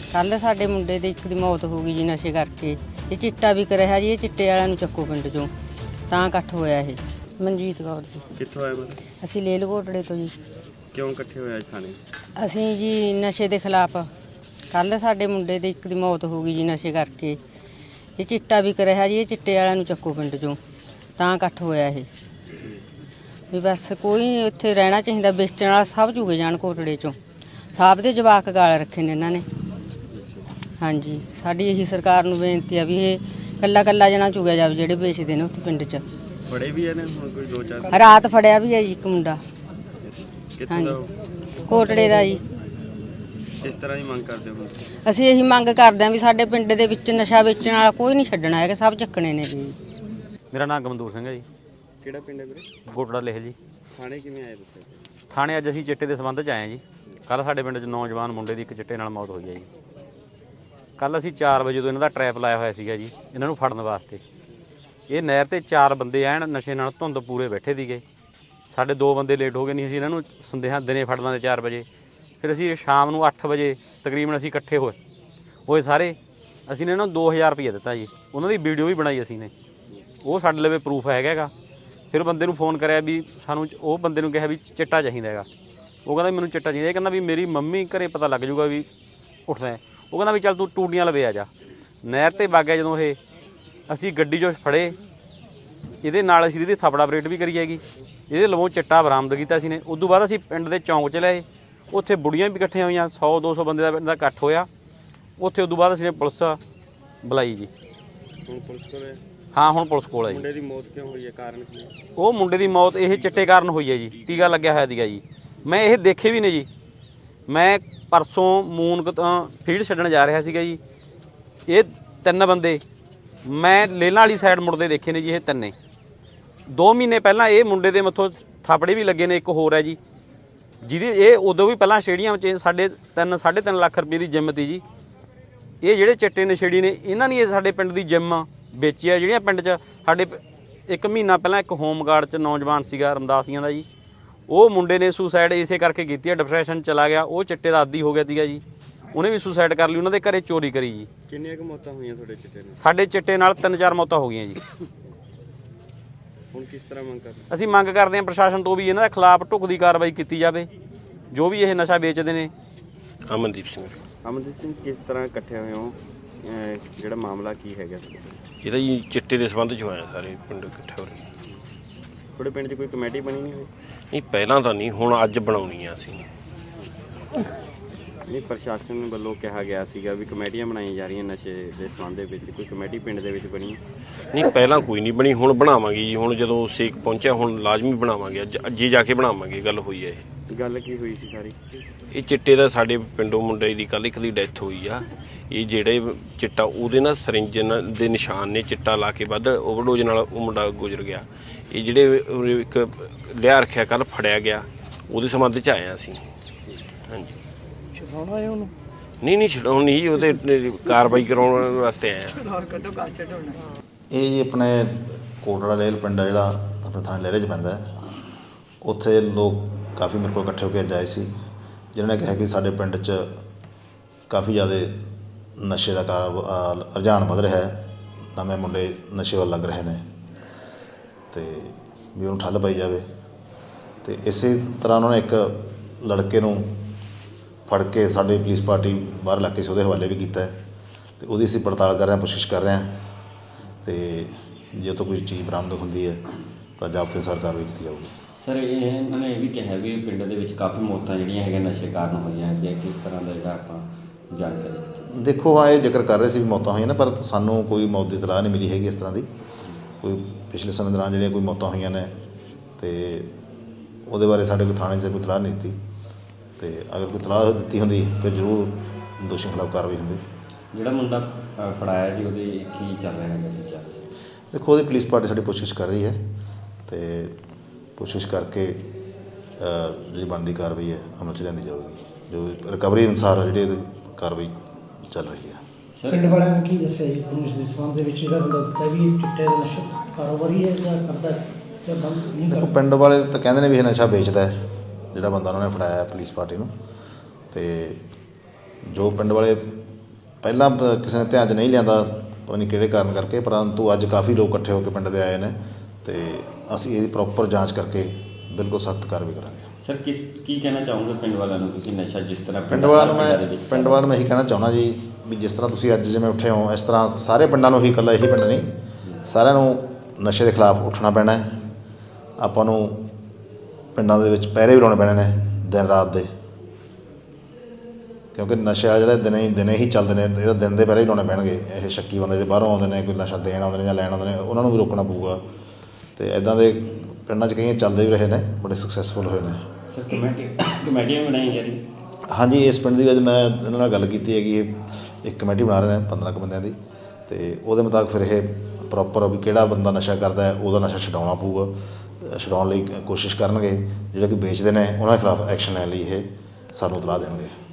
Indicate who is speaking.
Speaker 1: ਕੱਲ ਸਾਡੇ ਮੁੰਡੇ ਦੇ ਇੱਕ ਦੀ ਮੌਤ ਹੋ ਗਈ ਜੀ ਨਸ਼ੇ ਕਰਕੇ। ਇਹ ਚਿੱਟਾ ਵਿਕ ਰਿਹਾ ਜੀ, ਇਹ ਚਿੱਟੇ ਵਾਲਿਆਂ ਨੂੰ ਚੱਕੋ ਪਿੰਡ ਚੋਂ, ਤਾਂ ਇਕੱਠ ਹੋਇਆ ਇਹ। ਮਨਜੀਤ ਕੌਰ ਜੀ।
Speaker 2: ਕਿੱਥੋਂ ਆਏ ਮਤਲਬ?
Speaker 1: ਅਸੀਂ ਲੇਲ ਘੋਟੜੇ ਤੋਂ ਜੀ।
Speaker 2: ਕਿਉਂ ਇਕੱਠੇ ਹੋਏ ਅੱਜ ਥਾਣੇ?
Speaker 1: ਅਸੀਂ ਜੀ ਨਸ਼ੇ ਦੇ ਖਿਲਾਫ, ਕੱਲ ਸਾਡੇ ਮੁੰਡੇ ਦੇ ਇੱਕ ਦੀ ਮੌਤ ਹੋ ਗਈ ਜੀ ਨਸ਼ੇ ਕਰਕੇ। ਇਹ ਚਿੱਟਾ ਵਿਕ ਰਿਹਾ ਜੀ, ਇਹ ਚਿੱਟੇ ਵਾਲਿਆਂ ਨੂੰ ਚੱਕੋ ਪਿੰਡ ਚੋਂ, ਤਾਂ ਇਕੱਠ ਹੋਇਆ ਇਹ। ਵੀ ਬਸ ਕੋਈ ਨਹੀਂ ਉੱਥੇ ਰਹਿਣਾ ਚਾਹੀਦਾ, ਵੇਚਣ ਵਾਲਾ ਸਭ ਚੁਗੇ ਜਾਣ ਘੋਟੜੇ ਚੋਂ। ਸਭ ਦੇ ਜਵਾਕ ਗਾਲ ਰੱਖੇ ਨੇ ਇਹਨਾਂ ਨੇ। ਹਾਂਜੀ, ਸਾਡੀ ਇਹੀ ਸਰਕਾਰ ਨੂੰ ਬੇਨਤੀ ਆ ਵੀ ਇਹ ਕੱਲਾ ਕੱਲਾ ਜਣਾ ਚੁਗਿਆ ਜਾਵੇ ਜਿਹੜੇ ਵੇਚਦੇ ਨੇ ਉੱਥੇ ਪਿੰਡ 'ਚ।
Speaker 2: ਫੜੇ ਵੀ ਨੇ ਹੁਣ ਕੋਈ 2-4?
Speaker 1: ਰਾਤ ਫੜਿਆ ਵੀ ਹੈ ਜੀ ਇੱਕ ਮੁੰਡਾ।
Speaker 2: ਕਿੱਥੋਂ ਦਾ?
Speaker 1: ਘੋਟੜੇ ਦਾ ਜੀ।
Speaker 2: ਕਿਸ ਤਰ੍ਹਾਂ ਦੀ ਮੰਗ ਕਰਦੇ ਹੋ?
Speaker 1: ਅਸੀਂ ਇਹੀ ਮੰਗ ਕਰਦੇ ਹਾਂ ਵੀ ਸਾਡੇ ਪਿੰਡ ਦੇ ਵਿੱਚ ਨਸ਼ਾ ਵੇਚਣ ਵਾਲਾ ਕੋਈ ਨਹੀਂ ਛੱਡਣਾ ਹੈਗਾ, ਸਭ ਚੱਕਣੇ ਨੇ ਜੀ।
Speaker 3: ਮੇਰਾ ਨਾਮ ਗਮਦੂਰ ਸਿੰਘ ਹੈ ਜੀ।
Speaker 2: ਕਿਹੜਾ ਪਿੰਡ ਹੈ ਵੀਰੇ?
Speaker 3: ਗੋਟੜਾ ਲੇਹ ਜੀ।
Speaker 2: ਥਾਣੇ ਕਿਵੇਂ ਆਏ ਤੁਸੀਂ?
Speaker 3: ਥਾਣੇ ਅੱਜ ਅਸੀਂ ਚਿੱਟੇ ਦੇ ਸੰਬੰਧ 'ਚ ਆਏ ਹਾਂ ਜੀ। ਕੱਲ੍ਹ ਸਾਡੇ ਪਿੰਡ 'ਚ ਨੌਜਵਾਨ ਮੁੰਡੇ ਦੀ ਇੱਕ ਚਿੱਟੇ ਨਾਲ ਮੌਤ ਹੋਈ ਹੈ ਜੀ। ਕੱਲ੍ਹ ਅਸੀਂ 4 ਵਜੇ ਤੋਂ ਇਹਨਾਂ ਦਾ ਟਰੈਪ ਲਾਇਆ ਹੋਇਆ ਸੀਗਾ ਜੀ, ਇਹਨਾਂ ਨੂੰ ਫੜਨ ਵਾਸਤੇ। ਇਹ ਨਹਿਰ 'ਤੇ 4 ਬੰਦੇ ਐਨ ਨਸ਼ੇ ਨਾਲ ਧੁੰਦ ਪੂਰੇ ਬੈਠੇ ਸੀਗੇ। ਸਾਡੇ 2 ਬੰਦੇ ਲੇਟ ਹੋ ਗਏ, ਨਹੀਂ ਅਸੀਂ ਇਹਨਾਂ ਨੂੰ ਸੰਦੇਹਾਂ ਦਿਨੇ ਫੜ ਲਾਂਦੇ 4 ਵਜੇ। ਫਿਰ ਅਸੀਂ ਸ਼ਾਮ ਨੂੰ 8 ਵਜੇ ਤਕਰੀਬਨ ਅਸੀਂ ਇਕੱਠੇ ਹੋਏ ਸਾਰੇ। ਅਸੀਂ ਨੇ ਇਹਨਾਂ ਨੂੰ 2000 ਰੁਪਏ ਦਿੱਤਾ ਜੀ। ਉਹਨਾਂ ਦੀ ਵੀਡੀਓ ਵੀ ਬਣਾਈ ਅਸੀਂ ਨੇ, ਉਹ ਸਾਡੇ ਲਵੇ ਪ੍ਰੂਫ ਹੈਗਾ। ਫਿਰ ਬੰਦੇ ਨੂੰ ਫੋਨ ਕਰਿਆ ਵੀ ਸਾਨੂੰ, ਉਹ ਬੰਦੇ ਨੂੰ ਕਿਹਾ ਵੀ ਚਿੱਟਾ ਚਾਹੀਦਾ ਹੈਗਾ। ਉਹ ਕਹਿੰਦਾ ਮੈਨੂੰ ਚਿੱਟਾ ਚਾਹੀਦਾ। ਇਹ ਕਹਿੰਦਾ ਵੀ ਮੇਰੀ ਮੰਮੀ ਘਰੇ ਪਤਾ ਲੱਗ ਜਾਊਗਾ ਵੀ ਉੱਠਦਾ। ਉਹ ਕਹਿੰਦਾ ਵੀ ਚੱਲ ਤੂੰ ਟੂਟੀਆਂ ਲਵੇ ਆ ਜਾ। ਨਹਿਰ 'ਤੇ ਵਗ ਗਿਆ ਜਦੋਂ ਇਹ, ਅਸੀਂ ਗੱਡੀ 'ਚੋਂ ਫੜੇ। ਇਹਦੇ ਨਾਲ ਅਸੀਂ ਇਹਦੀ ਥਾਪੜਾ ਆਪਰੇਟ ਵੀ ਕਰੀ ਹੈਗੀ। ਇਹਦੇ ਲਵੋਂ ਚਿੱਟਾ ਬਰਾਮਦ ਕੀਤਾ ਅਸੀਂ ਨੇ। ਉਦੋਂ ਬਾਅਦ ਅਸੀਂ ਪਿੰਡ ਦੇ ਚੌਂਕ 'ਚ ਲਏ, ਉੱਥੇ ਬੁੜੀਆਂ ਵੀ ਇਕੱਠੀਆਂ ਹੋਈਆਂ, 100-200 ਬੰਦੇ ਦਾ ਪਿੰਡ ਦਾ ਇਕੱਠ ਹੋਇਆ ਉੱਥੇ। ਉਦੋਂ ਬਾਅਦ ਅਸੀਂ ਨੇ ਪੁਲਿਸ ਬੁਲਾਈ ਜੀ।
Speaker 2: ਹੁਣ ਪੁਲਿਸ ਕੋਲ ਹੈ?
Speaker 3: ਹਾਂ, ਹੁਣ ਪੁਲਿਸ ਕੋਲ ਹੈ ਜੀ।
Speaker 2: ਮੁੰਡੇ ਦੀ ਮੌਤ ਕਿਉਂ ਹੋਈ ਹੈ, ਕਾਰਨ ਕੀ ਹੈ?
Speaker 3: ਉਹ ਮੁੰਡੇ ਦੀ ਮੌਤ ਇਹ ਚਿੱਟੇ ਕਾਰਨ ਹੋਈ ਹੈ ਜੀ। ਟੀਕਾ ਲੱਗਿਆ ਹੋਇਆ ਸੀਗਾ ਜੀ। ਮੈਂ ਇਹ ਦੇਖੇ ਵੀ ਨੇ ਜੀ। ਮੈਂ ਪਰਸੋਂ ਮੂਨਕ ਤੋਂ ਫੀਡ ਛੱਡਣ ਜਾ ਰਿਹਾ ਸੀਗਾ ਜੀ। ਇਹ 3 ਬੰਦੇ ਮੈਂ ਲੇਲਾਂ ਵਾਲੀ ਸਾਈਡ ਮੁੜਦੇ ਦੇਖੇ ਨੇ ਜੀ। ਇਹ 3 2 ਮਹੀਨੇ ਪਹਿਲਾਂ ਇਹ ਮੁੰਡੇ ਦੇ ਮੱਥੋਂ ਥਾਪੜੇ ਵੀ ਲੱਗੇ ਨੇ। ਇੱਕ ਹੋਰ ਹੈ ਜੀ ਜਿਹਦੀ ਇਹ ਉਦੋਂ ਵੀ ਪਹਿਲਾਂ ਸਟੇਡੀਅਮ 'ਚ 3.5 ਲੱਖ ਰੁਪਏ ਦੀ ਜਿੰਮ ਤੀ ਜੀ। ਇਹ ਜਿਹੜੇ ਚਿੱਟੇ ਨਸ਼ੇੜੀ ਨੇ, ਇਹਨਾਂ ਨੇ ਸਾਡੇ ਪਿੰਡ ਦੀ ਜਿੰਮ ਵੇਚੀ ਆ। ਜਿਹੜੀਆਂ ਪਿੰਡ 'ਚ ਸਾਡੇ 1 ਮਹੀਨਾ ਪਹਿਲਾਂ ਇੱਕ ਹੋਮਗਾਰਡ 'ਚ ਨੌਜਵਾਨ ਸੀਗਾ ਰਮਦਾਸੀਆਂ ਦਾ ਜੀ, ਉਹ ਮੁੰਡੇ ਨੇ ਸੁਸਾਈਡ ਇਸੇ ਕਰਕੇ ਕੀਤੀ ਆ। ਡਿਪਰੈਸ਼ਨ ਚਲਾ ਗਿਆ, ਉਹ ਚਿੱਟੇ ਦਾ ਆਦੀ ਹੋ ਗਿਆ ਸੀਗਾ ਜੀ। ਉਹਨੇ ਵੀ ਸੁਸਾਈਡ ਕਰ ਲਈ, ਉਹਨਾਂ ਦੇ ਘਰੇ ਚੋਰੀ ਕਰੀ ਜੀ।
Speaker 2: ਕਿੰਨੀਆਂ ਕੁ ਮੌਤਾਂ ਹੋਈਆਂ ਤੁਹਾਡੇ ਚਿੱਟੇ ਨਾਲ?
Speaker 3: ਸਾਡੇ ਚਿੱਟੇ ਨਾਲ 3-4 ਮੌਤਾਂ ਹੋ ਗਈਆਂ ਜੀ।
Speaker 2: ਹੁਣ ਕਿਸ ਤਰ੍ਹਾਂ ਮੰਗ ਕਰਦੇ?
Speaker 3: ਅਸੀਂ ਮੰਗ ਕਰਦੇ ਹਾਂ ਪ੍ਰਸ਼ਾਸਨ ਤੋਂ ਵੀ ਇਹਨਾਂ ਦੇ ਖਿਲਾਫ ਢੁਕਦੀ ਕਾਰਵਾਈ ਕੀਤੀ ਜਾਵੇ, ਜੋ ਵੀ ਇਹ ਨਸ਼ਾ ਵੇਚਦੇ ਨੇ।
Speaker 2: ਅਮਨਦੀਪ ਸਿੰਘ, ਕਿਸ ਤਰ੍ਹਾਂ ਇਕੱਠੇ ਹੋਏ ਹੋ? ਜਿਹੜਾ ਮਾਮਲਾ ਕੀ ਹੈਗਾ?
Speaker 4: ਇਹਦਾ ਜੀ ਚਿੱਟੇ ਦੇ ਸੰਬੰਧ 'ਚ ਹੋਇਆ, ਸਾਰੇ ਪਿੰਡ ਇਕੱਠੇ ਹੋ ਰਹੇ।
Speaker 2: ਤੁਹਾਡੇ ਪਿੰਡ 'ਚ ਕੋਈ ਕਮੇਟੀ ਬਣੀ ਨਹੀਂ ਹੋਈ?
Speaker 4: ਨਹੀਂ, ਪਹਿਲਾਂ ਤਾਂ ਨਹੀਂ, ਹੁਣ ਅੱਜ ਬਣਾਉਣੀ ਆ ਅਸੀਂ।
Speaker 2: ਨਹੀਂ, ਪ੍ਰਸ਼ਾਸਨ ਵੱਲੋਂ ਕਿਹਾ ਗਿਆ ਸੀਗਾ ਵੀ ਕਮੇਟੀਆਂ ਬਣਾਈਆਂ ਜਾ ਰਹੀਆਂ ਨਸ਼ੇ ਦੇ ਸੰਬੰਧ ਦੇ ਵਿੱਚ। ਕੋਈ ਕਮੇਟੀ ਪਿੰਡ ਦੇ ਵਿੱਚ ਬਣੀ?
Speaker 4: ਨਹੀਂ, ਪਹਿਲਾਂ ਕੋਈ ਨਹੀਂ ਬਣੀ, ਹੁਣ ਬਣਾਵਾਂਗੇ ਜੀ। ਹੁਣ ਜਦੋਂ ਸੇਕ ਪਹੁੰਚਿਆ, ਹੁਣ ਲਾਜ਼ਮੀ ਬਣਾਵਾਂਗੇ। ਅੱਜੇ ਜਾ ਕੇ ਬਣਾਵਾਂਗੇ। ਗੱਲ ਹੋਈ ਹੈ ਇਹ।
Speaker 2: ਗੱਲ ਕੀ ਹੋਈ ਸੀ ਸਾਰੀ?
Speaker 4: ਇਹ ਚਿੱਟੇ ਦਾ ਸਾਡੇ ਪਿੰਡੋਂ ਮੁੰਡੇ ਦੀ ਕੱਲ੍ਹ ਇੱਕ ਦੀ ਡੈਥ ਹੋਈ ਆ। ਇਹ ਜਿਹੜੇ ਚਿੱਟਾ ਉਹਦੇ ਨਾਲ ਸਰਿੰਜ ਦੇ ਨਿਸ਼ਾਨ ਨੇ, ਚਿੱਟਾ ਲਾ ਕੇ ਵੱਧ ਓਵਰਡੋਜ਼ ਨਾਲ ਉਹ ਮੁੰਡਾ ਗੁਜ਼ਰ ਗਿਆ। ਇਹ ਜਿਹੜੇ ਇੱਕ ਲਿਆ ਰੱਖਿਆ ਕੱਲ੍ਹ ਫੜਿਆ ਗਿਆ, ਉਹਦੇ ਸੰਬੰਧ 'ਚ ਆਏ ਹਾਂ ਅਸੀਂ। ਹਾਂਜੀ,
Speaker 5: ਛਡਾਉਣਾ ਹੈ ਉਹਨੂੰ?
Speaker 4: ਨਹੀਂ ਛਡਾਉਣ ਨਹੀਂ, ਉਹਦੇ ਕਾਰਵਾਈ ਕਰਾਉਣ ਵਾਸਤੇ ਆਏ ਹਾਂ।
Speaker 6: ਇਹ ਜੀ ਆਪਣੇ ਕੋਟੜਾ ਲੇਲ ਪਿੰਡ ਆ ਜਿਹੜਾ ਆਪਣੇ ਥਾਣੇ ਲਹਿਰੇ 'ਚ ਪੈਂਦਾ ਹੈ। ਉੱਥੇ ਲੋਕ ਕਾਫੀ ਮੇਰੇ ਕੋਲ ਇਕੱਠੇ ਹੋ ਕੇ ਜਾਏ ਸੀ, ਜਿਨ੍ਹਾਂ ਨੇ ਕਿਹਾ ਕਿ ਸਾਡੇ ਪਿੰਡ 'ਚ ਕਾਫੀ ਜ਼ਿਆਦਾ ਨਸ਼ੇ ਦਾ ਰੁਝਾਨ ਵੱਧ ਰਿਹਾ ਹੈ। ਨਵੇਂ ਮੁੰਡੇ ਨਸ਼ੇ ਵੱਲ ਲੱਗ ਰਹੇ ਨੇ ਅਤੇ ਵੀ ਉਹਨੂੰ ਠੱਲ ਪਾਈ ਜਾਵੇ। ਅਤੇ ਇਸੇ ਤਰ੍ਹਾਂ ਉਹਨਾਂ ਨੇ ਇੱਕ ਲੜਕੇ ਨੂੰ ਫੜ ਕੇ ਸਾਡੀ ਪੁਲਿਸ ਪਾਰਟੀ ਬਾਹਰ ਇਲਾਕੇ 'ਚ ਉਹਦੇ ਹਵਾਲੇ ਵੀ ਕੀਤਾ ਹੈ ਅਤੇ ਉਹਦੀ ਅਸੀਂ ਪੜਤਾਲ ਕਰ ਰਹੇ ਹਾਂ, ਕੋਸ਼ਿਸ਼ ਕਰ ਰਹੇ ਹਾਂ। ਅਤੇ ਜੇ ਤੋਂ ਕੋਈ ਚੀਜ਼ ਬਰਾਮਦ ਹੁੰਦੀ ਹੈ ਤਾਂ ਜ਼ਾਬਤੇ ਅਨੁਸਾਰ ਕਾਰਵਾਈ ਕੀਤੀ ਜਾਊਗੀ।
Speaker 7: ਸਰ, ਇਹਨਾਂ ਨੇ ਇਹ ਵੀ ਕਿਹਾ ਵੀ ਪਿੰਡ ਦੇ ਵਿੱਚ ਕਾਫੀ ਮੌਤਾਂ ਜਿਹੜੀਆਂ ਹੈਗੀਆਂ ਨਸ਼ੇ ਕਾਰਨ ਹੋਈਆਂ ਹੈਗੀਆਂ। ਕਿਸ ਤਰ੍ਹਾਂ ਦਾ ਜਿਹੜਾ ਆਪਾਂ ਜਾਣਕਾਰੀ?
Speaker 6: ਦੇਖੋ, ਹਾਂ, ਇਹ ਜ਼ਿਕਰ ਕਰ ਰਹੇ ਸੀ ਵੀ ਮੌਤਾਂ ਹੋਈਆਂ ਨੇ, ਪਰ ਸਾਨੂੰ ਕੋਈ ਮੌਤ ਦੀ ਇਤਲਾਹ ਨਹੀਂ ਮਿਲੀ ਹੈਗੀ ਇਸ ਤਰ੍ਹਾਂ ਦੀ। ਕੋਈ ਪਿਛਲੇ ਸਮੇਂ ਦੌਰਾਨ ਜਿਹੜੀਆਂ ਕੋਈ ਮੌਤਾਂ ਹੋਈਆਂ ਨੇ ਅਤੇ ਉਹਦੇ ਬਾਰੇ ਸਾਡੇ ਕੋਈ ਥਾਣੇ 'ਚ ਕੋਈ ਇਤਲਾਹ ਨਹੀਂ ਦਿੱਤੀ। ਅਤੇ ਅਗਰ ਕੋਈ ਇਤਲਾਹ ਦਿੱਤੀ ਹੁੰਦੀ ਫਿਰ ਜ਼ਰੂਰ ਦੋਸ਼ੀਆਂ ਖਿਲਾਫ ਕਾਰਵਾਈ ਹੁੰਦੀ।
Speaker 7: ਜਿਹੜਾ ਮੁੰਡਾ ਫੜਾਇਆ ਜੀ, ਉਹਦੇ ਕੀ ਚੱਲ ਰਿਹਾ ਹੈਗਾ ਜੀ?
Speaker 6: ਦੇਖੋ, ਉਹਦੀ ਪੁਲਿਸ ਪਾਰਟੀ ਸਾਡੀ ਕੋਸ਼ਿਸ਼ ਕਰ ਰਹੀ ਹੈ ਅਤੇ ਕੋਸ਼ਿਸ਼ ਕਰਕੇ ਜਿਹੜੀ ਬਣਦੀ ਕਾਰਵਾਈ ਹੈ ਅਮਲ 'ਚ ਲਿਆਂਦੀ ਜਾਊਗੀ। ਜੋ ਰਿਕਵਰੀ ਅਨੁਸਾਰ ਜਿਹੜੀ ਇਹਦੀ ਕਾਰਵਾਈ ਚੱਲ ਰਹੀ ਹੈ।
Speaker 5: ਪਿੰਡ ਵਾਲਿਆਂ ਨੇ ਕੀ ਦੱਸਿਆ ਜੀ ਤੁਹਾਨੂੰ ਇਸ ਦੇ ਸੰਬੰਧ ਦੇ ਵਿੱਚ? ਜਿਹੜਾ ਬੰਦਾ ਦਿੱਤਾ ਵੀ ਇਹ ਚਿੱਟੇ ਦਾ ਨਸ਼ਾ ਕਾਰੋਬਾਰੀ ਹੈ ਜਾਂ ਕਰਦਾ ਜਾਂ ਬੰਦ ਨਹੀਂ ਕਰਦਾ?
Speaker 6: ਪਿੰਡ ਵਾਲੇ ਤਾਂ ਕਹਿੰਦੇ ਨੇ ਵੀ ਇਹ ਨਸ਼ਾ ਵੇਚਦਾ ਹੈ, ਜਿਹੜਾ ਬੰਦਾ ਉਹਨਾਂ ਨੇ ਫੜਾਇਆ ਪੁਲਿਸ ਪਾਰਟੀ ਨੂੰ। ਅਤੇ ਜੋ ਪਿੰਡ ਵਾਲੇ ਪਹਿਲਾਂ ਕਿਸੇ ਨੇ ਧਿਆਨ 'ਚ ਨਹੀਂ ਲਿਆਂਦਾ, ਪਤਾ ਨਹੀਂ ਕਿਹੜੇ ਕਾਰਨ ਕਰਕੇ, ਪਰੰਤੂ ਅੱਜ ਕਾਫੀ ਲੋਕ ਇਕੱਠੇ ਹੋ ਕੇ ਪਿੰਡ ਦੇ ਆਏ ਨੇ ਅਤੇ ਅਸੀਂ ਇਹਦੀ ਪ੍ਰੋਪਰ ਜਾਂਚ ਕਰਕੇ ਬਿਲਕੁਲ ਸਖਤ ਕਾਰਵਾਈ ਕਰਾਂਗੇ।
Speaker 7: ਸਰ ਕੀ ਕਹਿਣਾ ਚਾਹੋਗੇ ਪਿੰਡ ਵਾਲਿਆਂ ਨੂੰ, ਤੁਸੀਂ ਨਸ਼ਾ ਜਿਸ ਤਰ੍ਹਾਂ
Speaker 6: ਪਿੰਡ ਵਾਲਿਆਂ ਨੂੰ ਇਹੀ ਕਹਿਣਾ ਚਾਹੁੰਦਾ ਜੀ ਵੀ ਜਿਸ ਤਰ੍ਹਾਂ ਤੁਸੀਂ ਅੱਜ ਜਿਵੇਂ ਉੱਠੇ ਹੋ, ਇਸ ਤਰ੍ਹਾਂ ਸਾਰੇ ਪਿੰਡਾਂ ਨੂੰ ਹੀ, ਇਕੱਲਾ ਇਹੀ ਪਿੰਡ ਨਹੀਂ, ਸਾਰਿਆਂ ਨੂੰ ਨਸ਼ੇ ਦੇ ਖਿਲਾਫ ਉੱਠਣਾ ਪੈਣਾ ਹੈ। ਆਪਾਂ ਨੂੰ ਪਿੰਡਾਂ ਦੇ ਵਿੱਚ ਪਹਿਰੇ ਵੀ ਲਾਉਣੇ ਪੈਣੇ ਨੇ ਦਿਨ ਰਾਤ ਦੇ, ਕਿਉਂਕਿ ਨਸ਼ਾ ਜਿਹੜੇ ਦਿਨੇ ਹੀ ਚੱਲਦੇ ਨੇ, ਇਹਦਾ ਦਿਨ ਦੇ ਪਹਿਰੇ ਹੀ ਲਾਉਣੇ ਪੈਣਗੇ। ਇਹ ਸ਼ੱਕੀ ਬੰਦੇ ਜਿਹੜੇ ਬਾਹਰੋਂ ਆਉਂਦੇ ਨੇ, ਕੋਈ ਨਸ਼ਾ ਦੇਣ ਆਉਂਦੇ ਨੇ ਜਾਂ ਲੈਣ ਆਉਂਦੇ ਨੇ, ਉਹਨਾਂ ਨੂੰ ਵੀ ਰੋਕਣਾ ਪਊਗਾ। ਅਤੇ ਇੱਦਾਂ ਦੇ ਪਿੰਡਾਂ 'ਚ ਕਈ ਚੱਲਦੇ ਵੀ ਰਹੇ ਨੇ, ਬੜੇ ਸਕਸੈਸਫੁਲ ਹੋਏ ਨੇ।
Speaker 7: ਸਰ ਕਮੇਟੀਆਂ ਬਣਾਈਆਂ ਜਾ ਰਹੀਆਂ?
Speaker 6: ਹਾਂਜੀ, ਇਸ ਪਿੰਡ ਦੀ ਅੱਜ ਮੈਂ ਇਹਨਾਂ ਨਾਲ ਗੱਲ ਕੀਤੀ ਹੈਗੀ, ਇੱਕ ਕਮੇਟੀ ਬਣਾ ਰਹੇ ਨੇ 15 ਕੁ ਬੰਦਿਆਂ ਦੀ, ਅਤੇ ਉਹਦੇ ਮੁਤਾਬਕ ਫਿਰ ਇਹ ਪ੍ਰੋਪਰ ਵੀ ਕਿਹੜਾ ਬੰਦਾ ਨਸ਼ਾ ਕਰਦਾ ਹੈ ਉਹਦਾ ਨਸ਼ਾ ਛਡਾਉਣਾ ਪਊਗਾ, ਛਡਾਉਣ ਲਈ ਕੋਸ਼ਿਸ਼ ਕਰਨਗੇ। ਜਿਹੜੇ ਕਿ ਵੇਚਦੇ ਨੇ ਉਹਨਾਂ ਦੇ ਖਿਲਾਫ ਐਕਸ਼ਨ ਲੈਣ ਲਈ ਇਹ ਸਾਨੂੰ ਇਤਲਾਹ ਦੇਣਗੇ।